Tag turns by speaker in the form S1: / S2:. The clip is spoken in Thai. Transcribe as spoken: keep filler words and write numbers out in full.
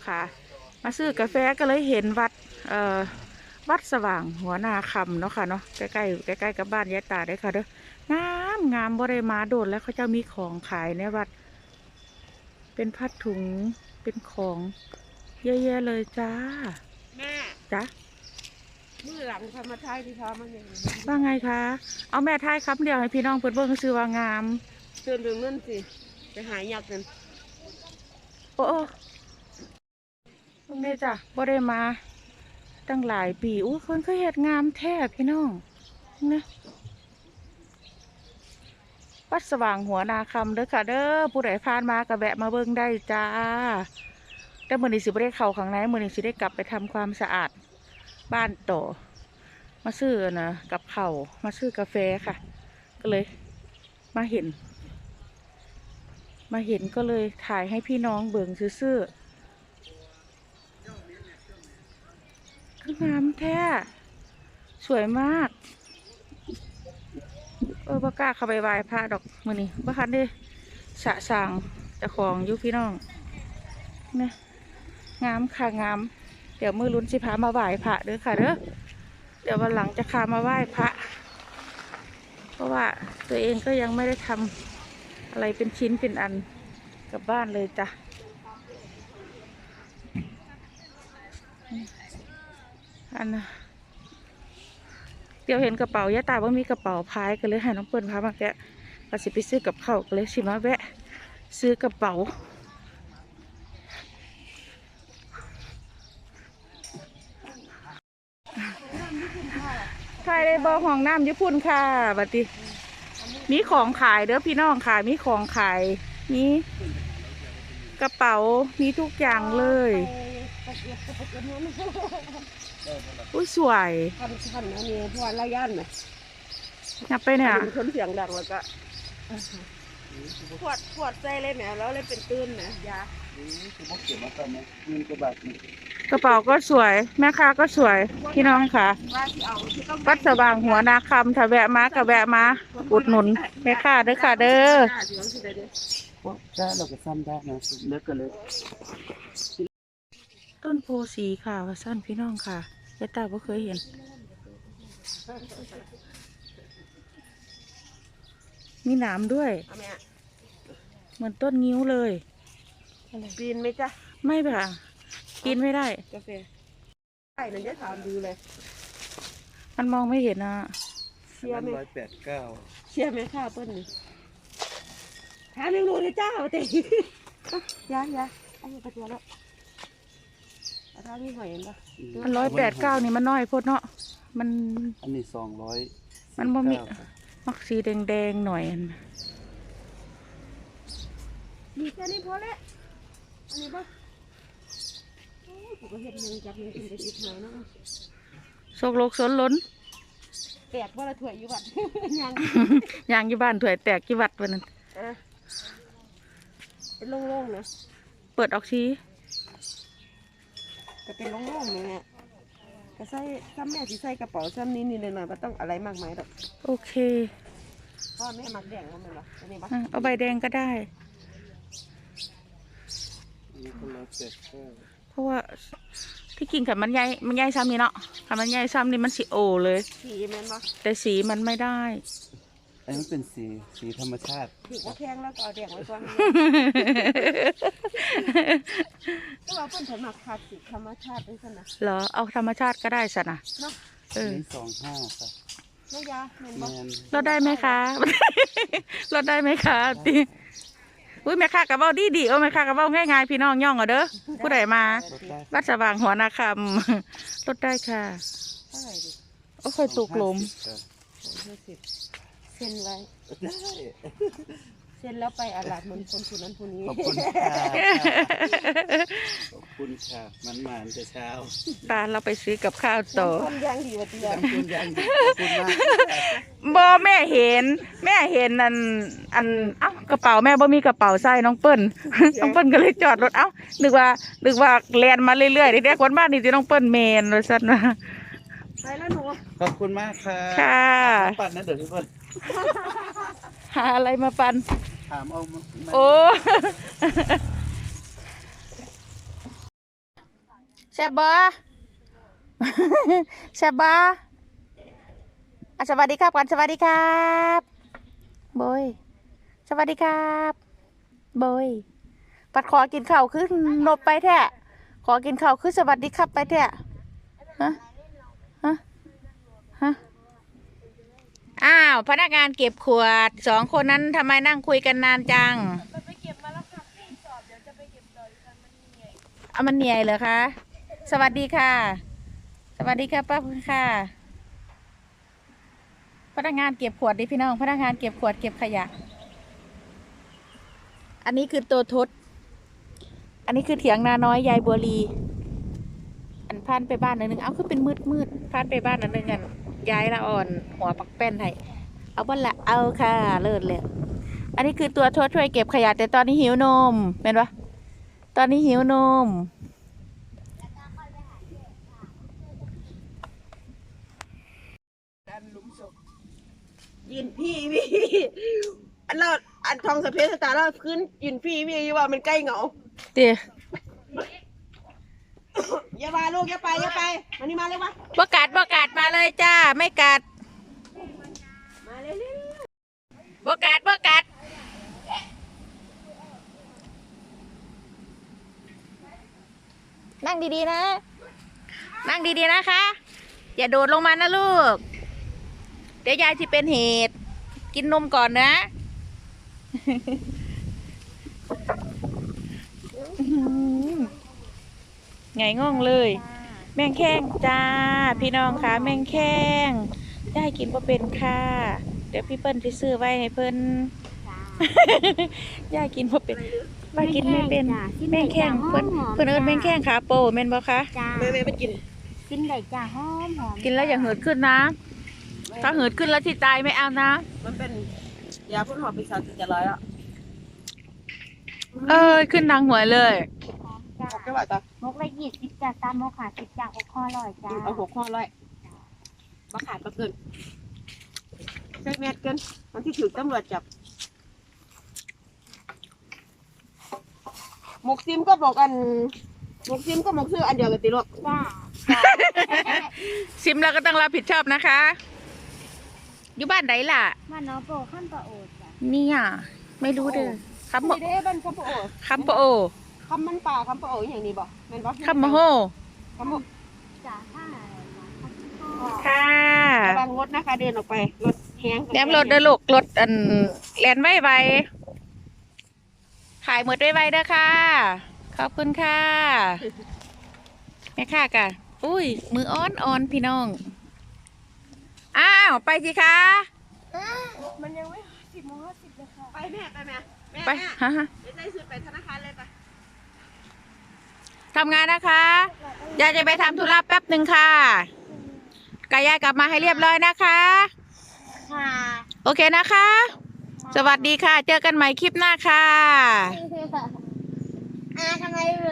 S1: ค่ะมาซื้อกาแฟก็เลยเห็นวัดเอ่อวัดสว่างหัวนาคำเนาะค่ะเนาะใกล้ๆใกล้ๆกับบ้านยายตาได้ค่ะเด้องามงามบริมาโดดแล้วเขาจะมีของขายในวัดเป็นผ้าถุงเป็นของเยอะแยะเลยจ้า
S2: แม่
S1: จ้า
S2: มือหลังทำมาท้ายที่พามันยัง
S1: ว่าไงคะเอาแม่ท้ายคำเดียวให้พี่น้องเพื่อนเบิ่งซื้อว่างาม
S2: เตือนเรื่องนั่นสิไปหายักษ์กัน
S1: โอ้ตรงนี้จ้ะบ่ได้มาตั้งหลายปีอู้คนก็เฮ็ดงามแท้พี่น้องนะวัดสว่างหัวนาคำเด้อค่ะเด้อผู้ใดผ่านมาก็แวะมาเบิ่งได้จ้าแต่มื้อนี้สิบ่ได้เข้าข้างในมื้อนี้สิได้กลับไปทำความสะอาดบ้านต่อมาซื้อนะกับข้าวมาซื้อกาแฟค่ะก็เลยมาเห็นมาเห็นก็เลยถ่ายให้พี่น้องเบิ่งซื่อคืองามแท้สวยมากเออบ่กล้าเข้าไปไหว้พระดอกมื้อนี้บ่คันได้สะสางเจ้าของอยู่พี่น้องนะงามค่ะงามเดี๋ยวมือลุ้นสิพามาไหว้พระเด้อค่ะเด้อเดี๋ยววันหลังจะพามาไหว้พระเพราะว่าตัวเองก็ยังไม่ได้ทำอะไรเป็นชิ้นเป็นอันกลับบ้านเลยจ้ะอันนะเดี๋ยวเห็นกระเป๋ายะตาว่ามีกระเป๋าพายก็เลยให้น้องเปิ้ลพามาแกะก็สิไปซื้อกับข้าวก็เลยชิมาแวะซื้อกระเป๋าใครได้บอกห้องน้ำญี่ปุ่นค่ะบัดนี้มีของขายเด้อพี่น้องค่ะมีของขายมีกระเป๋ามีทุกอย่างเลยอุ้ยสวย
S2: ทันทันอันนี้พอระยะไหม
S1: นับไปเนี่ย
S2: ชนเสียงดังแล้วก็ขวดขวดใจเลยแหมแล้วเลยเป็นตื้นนะยา
S1: กระเป๋าก็สวยแม่ค้าก็สวยพี่น้องค่ะวัดสว่างหัวนาคำถ้าแวะมาก็แวะมาอุดหนุนแม่ค้าเด้อค่ะเด้อ
S2: ได้เราก็ซ้ำได้นะเลิกกันเลย
S1: ต้นโพสีค่ะว่าสั้นพี่น้องค่ะยายตาบ่เคยเห็นมีหนามด้วยเหมือนต้นงิ้วเลย
S2: ปีนไหมจ๊ะ
S1: ไม่ค่ะกินไม่ได้
S2: กาแฟใช่นั่นจะถามดูเลย
S1: มันมองไม่เห็นนะ
S2: เชียร์ไหม
S3: ร้อยแปดเก้า
S2: เชียร์ไหมข้าวต้นนี้ถามยังรู้เลยจ้าเตะยายาอันนี้กระเทียมแล้วถ้ามีหอยเห็นปะ
S1: มันร้อยแปดเก้านี่มันน้อยพดเนาะมัน
S3: อันนี้สองร้อย
S1: มันบ่มีมักสีแดงๆหน่อย
S2: มีแค่นี้พอแล้วอันนี้ปะโอ้ผมก็เห็นยังจับยังกินไปติดหอยนะ
S1: โศกโลกสนล้น
S2: แตกว่าละถ้วยอยู่บ้านยัง
S1: ยังอยู่บ้านถ้วยแตกกี่วัดวันนั้น
S2: เป็นโล่งๆนะ
S1: เปิดออกชี้
S2: ก็เป็นโล่งๆเลยเนี่ยก็ใส่ซ้ำแม่ที่ใส่กระเป๋าซ้ำนี้นี่เลยหน่อยไม่ต้องอะไรมากมายหรอก
S1: โอเค
S2: พ่อแม่มักแดงมันเลยหรออันนี้ปะ
S1: เอาใบแดงก็ได้เพราะว่าที่กินกับมันใหญ่มันใหญ่ซ้ำนี่เนาะถ้ามันใหญ่ซ้ำนี่มันสีโอเลย
S2: สีแม่นปะ
S1: แต่สีมันไม่ได้
S3: อันนี้เป็นสีสีธรรมชาติ
S2: ถือว่าแข็งแล้วก็เอาแดงไว้ก่อนก็เราเป็นสมัครขาดสีธรรมชาติด้วยกันนะ
S1: เหรอเอาธรรมชาติก็ได้สินะ
S2: เนาะ
S1: เออ
S3: สองห้าครับ
S2: ไม่ยาเมนบอ
S1: ลดได้ไหมคะลดได้ไหมคะตีอุ้ยแม่ค้ากระเป๋าดีดีโอ้แม่ค้ากระเป๋าง่ายๆพี่น้องย่องเอาเด้อผู้ใดมาวัดสว่างหัวนาคำลดได้ค่ะ
S2: เท่าไหร่ดิ
S1: โอ้เคยตกหลุม
S2: เซ็นไว้เซ็นแล้วไปอาลาดเหมือนคนคนนั้นคนนี้
S3: ขอบคุณค่ะขอบคุณค่ะมันมาแต่เช้า
S1: ตาเราไปซื้อกับข้าวต่อ
S2: คนยังดีกว่าเดียว
S3: คุณยังดีขอบคุณมาก
S1: บอแม่เห็นแม่เห็นอันอันเอ้ากระเป๋าแม่บ่มีกระเป๋าใส่น้องเปิ้ลน้องเปิ้ลก็เลยจอดรถเอ้านึกว่านึกว่าแลนมาเรื่อยๆเด็กๆคนบ้านนี่จะน้องเปิ้ลเมนเลยสั้นว่า
S2: ไปแล้วหนู
S3: ขอบคุณมากค่ะ
S1: ค่ะ
S3: ปัดนะเดี๋ยวพี่เปิ้ล
S1: หาอะไรมาปัน
S3: ถามเอา
S1: โอ้แซ่บบ่ แซ่บบ่อ่ะสวัสดีครับก่อนสวัสดีครับบอยสวัสดีครับบอยปัดขอกินข้าวขึ้นนบไปแท้ขอกินข้าวขึ้นสวัสดีครับไปแท้ฮะฮะฮะอ้าวพนักงานเก็บขวดสองคนนั้นทำไมนั่งคุยกันนานจังไปเก็บมาแล้วค่ะพี่สอบเดี๋ยวจะไปเก็บต่ออีกครั้งมันเหนื่อยอ่ะมันเหนื่อยเหรอคะสวัสดีค่ะสวัสดีค่ะป้าค่ะพนักงานเก็บขวดดิพี่น้องพนักงานเก็บขวดเก็บขยะอันนี้คือตัวทศอันนี้คือเถียงนาน้อยยายบัวลีอันพานไปบ้านอันหนึ่งเอาคือเป็นมืดมืดพานไปบ้านอันหนึ่งกันยายละอ่อนหัวปักแป้นให้เอาบ้านละเอาค่ะเลิศเลยอันนี้คือตัวทศช่วยเก็บขยะแต่ตอนนี้หิวนมเป็นปะตอนนี้หิวนม
S2: ยืนพี่พี่อันเราอันทองสะเพสตาร์เราขึ้นยืนพี่พี่อยู่ว่ามันใกล้เหงา
S1: เดี๋ยว
S2: อย่ามาลูกอย่าไปอย่าไปมานี่มาเลยวะ
S1: บ่กัดบ่กัดมาเลยจ้าไม่กัด
S2: มาเร็ว
S1: บ่กัดบ่กัดนั่งดีๆนะนั่งดีๆนะคะอย่าโดดลงมานะลูกเดี๋ยวยายจะเป็นเหตุกินนมก่อนนะ ไงง่องเลย แมงแข้งจ้าพี่น้องคะแมงแข้งได้กินบ่เป็นค่ะเดี๋ยวพี่เปิ้ลจะซื้อไว้ให้เพิ่น ยายกินบ่เป็นว่ากินไม่เป็นแมงแข้งเพิ่นเพิ่นเอิ้นแมงแข้งขาโปแม่นบ่คะ
S4: จ้า
S2: แม่แม่ไปกิน
S4: กินได้จ้าหอมหอม
S1: กินแล้วอย่าเหิดขึ้นนะ ถ้าเหิดขึ้นแล้วที่ตายไม่เอานะ
S2: มันเป็นยาพ่นหอบปีศาจจะร้อยอ่ะ
S1: เอ้ยขึ้นทางหัวเลย
S4: จ้า
S2: แค่ว่าตาม
S4: กละยี่สิบจ้าตามมกขาสิบจ้าอกคอร่อยจ้า
S2: เอาหกข้อร้อยมาขาดมาเกินใช้แมสเกินมันที่ถูกตำรวจจับหมกซิมก็บอกอันหมกซิมก็หมกซื้ออันเดียวกันติลูก
S4: จ้า
S1: ซิมแล้วก็ต้องรับผิดชอบนะคะ อยู่บ้านไหนล่ะ
S4: มาน้องโปขั้นปะโอดจ้า
S1: เนี่ยไม่รู้เด้อคำ
S2: นี่เด้บ้านคำปะโอ
S1: คำปะโอ
S2: คำมันป่าคำปะโออย่างนี้บ่แม่นบ่
S1: คำมะโฮ
S2: คำปะ
S4: จ้าถ้า
S1: ค่ะ
S2: ระวังรถนะคะเดินออกไปรถแห้ง
S1: แหนมรถเด้อลูกรถอันแลนไว้ไวขายหมดไว้ไวเด้อค่ะ ขอบคุณค่ะแม่ค่ะกะอุ้ยมืออ้อนอ่อนพี่น้อง อ้าว ไปสิคะ
S4: มันยังไม่สิบโมงห้าสิบเลยค่ะ
S2: ไปแม่ไปแม่แม่
S1: ไป
S2: แม่
S1: ฮะฮะ
S2: เดี๋ยวได้ซื้อไปธนาคารเลยไป
S1: ทำงานนะคะยายจะไปทำธุระแป๊บหนึ่งค่ะกายายกลับมาให้เรียบร้อยนะคะ
S4: ค่ะ
S1: โอเคนะคะ สวัสดีค่ะ เจอกันใหม่คลิปหน้าค่ะ
S4: อ่าทำไม